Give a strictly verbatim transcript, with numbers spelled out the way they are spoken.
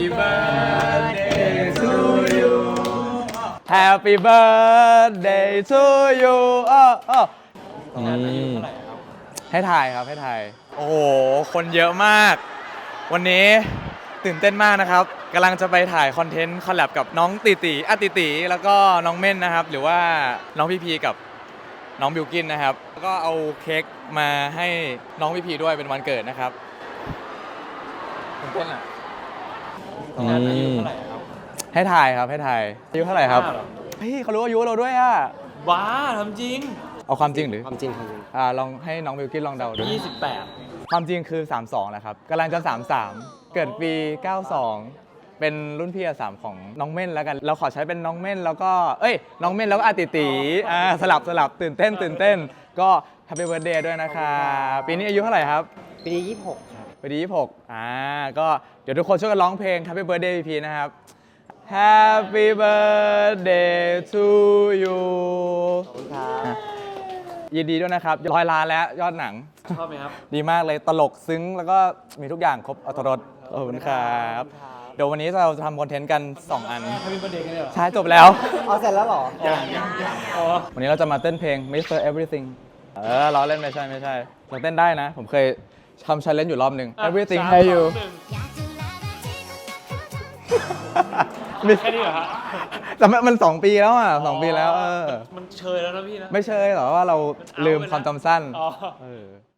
birthday to you Happy birthday to you อ้ออ้อให้ถ่ายครับให้ถ่ายโอ้โหคนเยอะมากวันนี้ตื่นเต้นมากนะครับกำลังจะไปถ่ายคอนเทนต์คอลแลบกับน้องตีตีอ่ะตีตีแล้วก็น้องเม่นนะครับหรือว่าน้องพีพีกับน้องบิวกินนะครับแล้วก็เอาเค้กมาให้น้องพีพีด้วยเป็นวันเกิดนะครับตื่นเต้นอ่ะงานอายุเท่าไหร่ครับให้ถ่ายครับให้ถ่ายอายุเท่าไหร่ครับเฮ้ยเขารู้อายุเราด้วยอ่ะว้าทำจริงเอาความจริงหรือความจริงความจริงอ่าลองให้น้องบิวกินลองเดาดูยี่สิบแปดความจริงคือสามสิบสองนะครับกำลังจะสามสิบสามเกิดปีเก้าสิบสองเป็นรุ่นพี่อาสามของน้องเม่นแล้วกันเราขอใช้เป็นน้องเม่นแล้วก็เอ้ยน้องเม่นแล้วก็อาติตีอ่าสลับสลับตื่นเต้นตื่นเต้นก็แฮปปี้เบิร์ธเดย์ด้วยนะคะปีนี้อายุเท่าไหร่ครับปีนี้ยี่สิบหกครับปีนี้ยี่สิบหกอ่าก็เดี๋ยวทุกคนช่วยกันร้องเพลง Happy Birthday พีพีนะครับ Happy Birthday to you ขอบคุณครับยินดีด้วยนะครับร้อยล้านแล้วยอดหนังชอบไหมครับดีมากเลยตลกซึ้งแล้วก็มีทุกอย่างครบอรรถรสขอบคุณครับเดี๋ยววันนี้เราจะทำคอนเทนต์กันสองอัน Happy Birthday กันเลยเหรอใช่จบแล้วเอาเสร็จแล้วเหรอยังยังยังอ๋อวันนี้เราจะมาเต้นเพลง มิสเตอร์ Everything เออล้อเล่นไม่ใช่ไม่ใช่เราเต้นได้นะผมเคยทำ challenge อยู่รอบหนึ่ง Everythingให้อยู่แค่นี้เหรอฮะแต่มันสองปีแล้วอ่ะสองปีแล้วเออมันเชยแล้วนะพี่นะไม่เชยหรอว่าเราลืมความจำสั้นอ๋อเออ